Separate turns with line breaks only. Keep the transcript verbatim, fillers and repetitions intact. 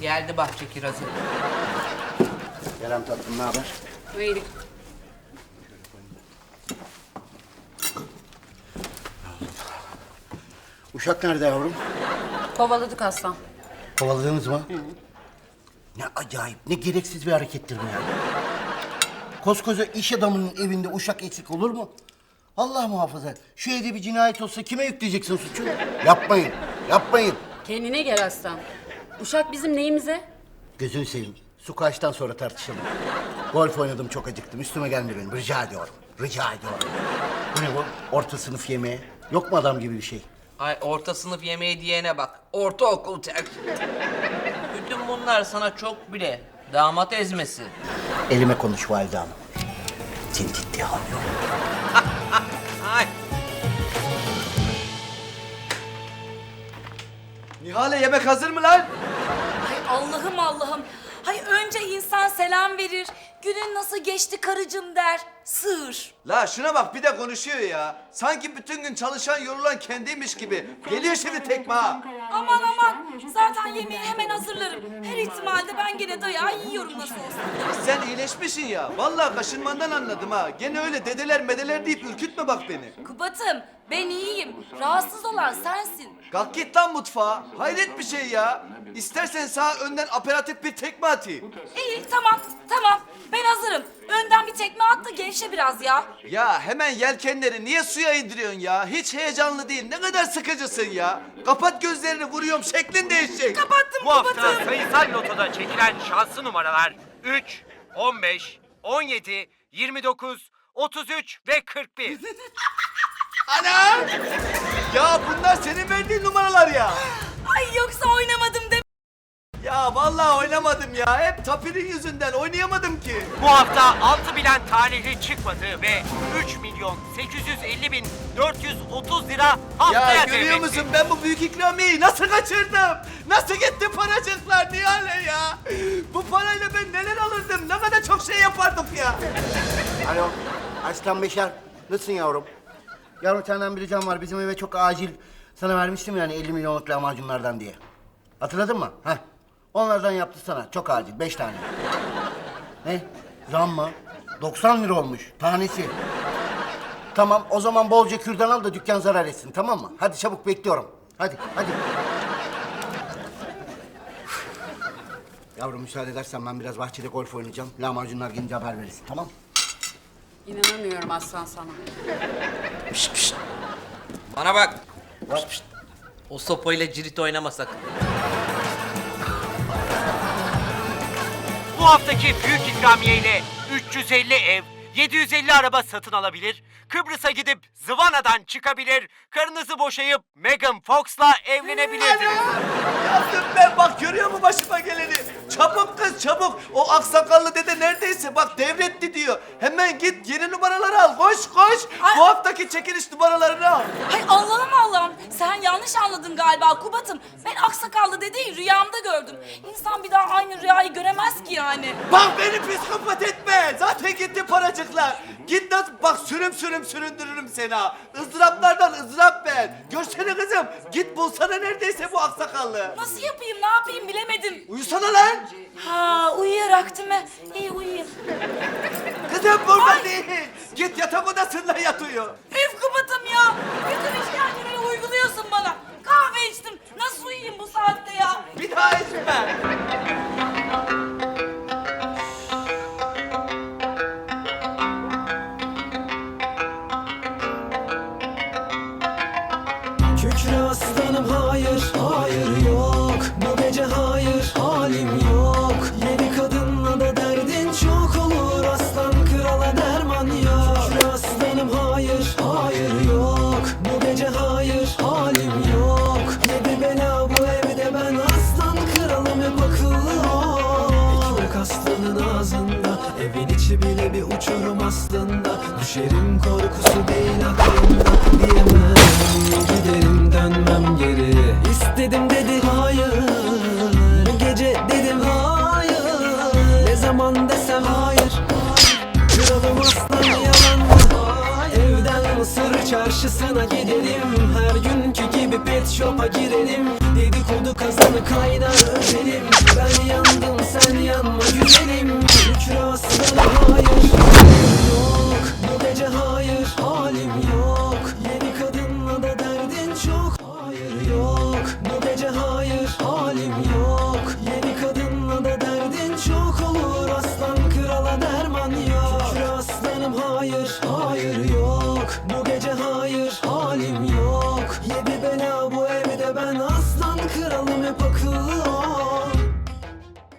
Geldi bahçe kirazı.
Kerem tatlım, ne haber?
İyilik.
Uşak nerede yavrum?
Kovaladık aslan.
Kovaladınız mı? Hı. Ne acayip, ne gereksiz bir harekettir bu ya. Koskoca iş adamının evinde uşak eksik olur mu? Allah muhafaza. Şu evde bir cinayet olsa kime yükleyeceksin suçu? Yapmayın, yapmayın.
Kendine gel aslan. Uşak bizim neyimize?
Gözünü seveyim. Su kaçtan sonra tartışalım. Golf oynadım, çok acıktım. Üstüme gelme benim. Rica ediyorum. Rica ediyorum. Bu ne bu? Orta sınıf yemeği. Yok mu adam gibi bir şey?
Ay orta sınıf yemeği diyene bak. Ortaokul terk. Bütün bunlar sana çok bile. Damat ezmesi.
Elime konuş valide hanım. Seni ciddiye almıyorum.
Ay.
Nihale yemek hazır mı lan?
Ay Allah'ım Allah'ım. Hay önce insan selam verir. Günün nasıl geçti karıcığım der. Sığır.
La şuna bak bir de konuşuyor ya. Sanki bütün gün çalışan yorulan kendiymiş gibi. Geliyor şimdi tekme ha.
Aman aman. Zaten yemeği hemen hazırlarım. Her ihtimalde ben gene dayağı yiyorum nasıl olsa.
Sen iyileşmişsin ya. Vallahi kaşınmandan anladım ha. Gene öyle dedeler medeler deyip ürkütme bak beni.
Kubat'ım ben iyiyim. Rahatsız olan sensin.
Kalk git lan mutfağa. Hayret bir şey ya. İstersen sağa önden aperatif bir tekme atayım.
İyi tamam tamam. Ben hazırım. Önden bir tekme at da gevşe biraz ya.
Ya hemen yelkenleri niye suya indiriyorsun ya? Hiç heyecanlı değil. Ne kadar sıkıcısın ya. Kapat gözlerini, vuruyorum, şeklin değişecek.
Kapattım
Bu hafta
Kubat'ım.
sayısal lotoda çekilen şanslı numaralar üç, on beş, on yedi, yirmi dokuz, otuz üç ve kırk bir.
Ana! Ya bunlar senin verdiğin numaralar ya.
Ay yoksa oynamadım de.
Ya vallahi oynamadım ya. Hep Tapir'in yüzünden oynayamadım ki.
Bu hafta altı bilen talihli çıkmadı ve üç milyon sekiz yüz elli bin dört yüz otuz lira haftaya
Ya görüyor
devretti.
musun ben bu büyük ikramiyeyi nasıl kaçırdım? Nasıl gitti paracıklar Nihale ya? Bu parayla ben neler alırdım? Ne kadar çok şey yapardık ya.
Alo, Aslan Beşer. Nasılsın yavrum? Yavrum senden bir ricam var. Bizim eve çok acil sana vermiştim yani elli milyonluk lahmacunlardan diye. Hatırladın mı? Heh. Onlardan yaptı sana. Çok acil. Beş tane. Ne? Zam mı? doksan lira olmuş tanesi. Tamam, o zaman bolca kürdan al da dükkan zarar etsin, tamam mı? Hadi çabuk, bekliyorum. Hadi, hadi. Yavrum müsaade edersen ben biraz bahçede golf oynayacağım. Lahmacunlar gelince haber verirsin, tamam?
İnanamıyorum aslan sana.
Pişt pişt. Bana bak. Pişt pişt. O sopayla cirit oynama sakın.
Bu haftaki büyük ikramiye ile üç yüz elli ev, yedi yüz elli araba satın alabilir, Kıbrıs'a gidip Zıvana'dan çıkabilir, karınızı boşayıp Megan Fox'la evlenebilirsiniz.
Yaptım ben, bak görüyor musun başıma geleni? Çabuk kız çabuk. O aksakallı dede neredeyse bak devretti diyor. Hemen git yeni numaraları al. Koş koş.
Ay.
Bu haftaki çekiliş numaralarını al.
Hay Allah'ım Allah'ım. Sen yanlış anladın galiba Kubat'ım. Ben aksakallı dedeyi rüyamda gördüm. İnsan bir daha aynı rüyayı göremez ki yani.
Bak beni psikopat etme. Zaten gitti paracıklar. Git nasıl bak sürüm sürüm süründürürüm seni ha. Izdıraplardan ızdırap ben. Görsene kızım. Git bulsana neredeyse bu aksakallı.
Nasıl yapayım ne yapayım bilemedim.
Uyusana lan.
Ha uyuyarak değil mi? İyi uyuyayım.
Kızım burada değil. Git yatak odasında yat uyu.
Üf Kubat'ım ya. Bütün işkenceleri uyguluyorsun bana. Kahve içtim. Nasıl uyuyayım bu saatte ya?
Bir daha içme.
Kükre aslanım hayır, hayır yok. Bu gece hayır, halim yok. Yedi kadınla da derdin çok olur. Aslan krala derman yok. Kükre aslanım hayır, hayır yok. Bu gece hayır, halim yok. Yedi bela bu evde ben aslan kralım hep akıllı ol. Ekmek aslanın ağzında, evin içi bile bir uçurum aslında. Düşerim korkusu değil aklımda diyemem. Giderim dönmem geri. İstedim dedi hayır. Gece dedim hayır. Ne zaman desem hayır. Kralım aslan yalan mı? Evden Mısır çarşısına gidelim. Her günkü gibi pet shop'a girelim. Dedikodu kazanı kaynar özelim. Ben hayır halim yok